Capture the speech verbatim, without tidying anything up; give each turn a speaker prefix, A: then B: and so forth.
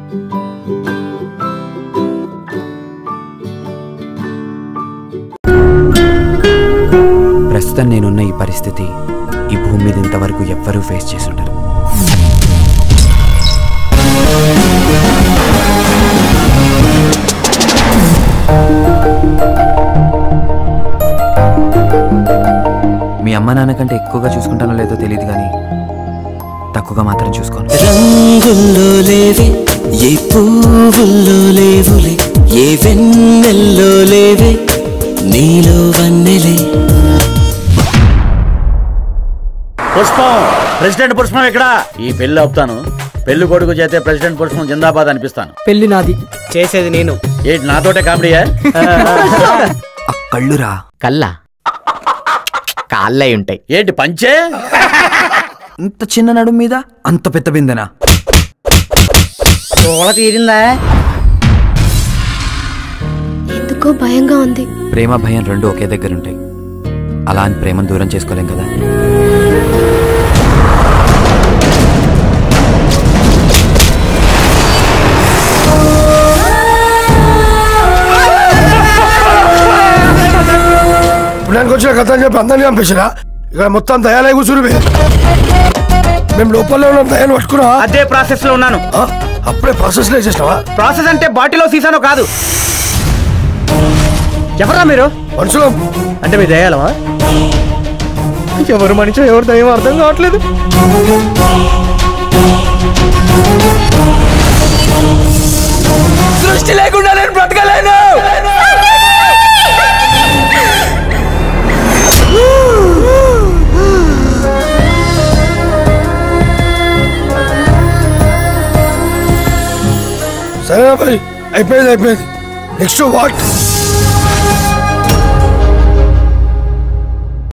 A: ప్రస్తుతం నేనున్న ఈ పరిస్థితి ఈ భూమి మీద ఇంతవరకు ఎవ్వరూ ఫేస్ చేసి ఉండరు. మీ అమ్మ నాన్న కంటే ఎక్కువగా చూసుకుంటానో లేదో తెలియదు కానీ తక్కువగా మాత్రం చూసుకోను.
B: రంగుల్లో లేవే ఏ పువ్వుల్లో లేవులే ఏ వెన్నెల్లో లేవే నీలో వన్నెలే.
C: పుష్పం ప్రెసిడెంట్ పుష్పం ఇక్కడ. ఈ పెళ్లి ఆపుతాను. పెళ్లి కొడుకు చేతే ప్రెసిడెంట్ పుష్పం జిందాబాద్ అనిపిస్తాను.
D: పెళ్లి నాది, చేసేది నేను.
C: ఏంటి నాతోటే కామెడీయా?
A: కళ్ళురా.
D: కళ్ళ కాళ్ళై ఉంటాయి.
C: ఏంటి పంచే?
A: ఇంత చిన్న నడుము మీద అంత పెద్ద బిందెనా?
C: తీరిందా?
E: ఎందుకో భయంగా ఉంది.
A: ప్రేమ భయం రెండు ఒకే దగ్గర ఉంటాయి. అలా అని ప్రేమను దూరం చేసుకోలేం కదా.
F: పుణ్యానికి వచ్చిన కథ అని చెప్పి అందరినీ పంపించినా ఇక్కడ మొత్తం దయాలయ కూర్చుని మేము లోపల ఉన్నాం. దయాలు పట్టుకున్నా.
C: అదే ప్రాసెస్ లో ఉన్నాను.
F: అప్పుడే ప్రాసెస్ లో చేసినావా?
C: ప్రాసెస్ అంటే బాటిలో సీసానో కాదు. ఎవరా మీరు?
F: మనుషులు
C: అంటే మీ దయాలమా? ఎవరు మనిషి ఎవరు దయ్యం అర్థం కావట్లేదు.
B: సృష్టి లేకుండా నేను బ్రతకలేను.
F: సరేనా మరి, అయిపోయింది అయిపోయింది. Next what?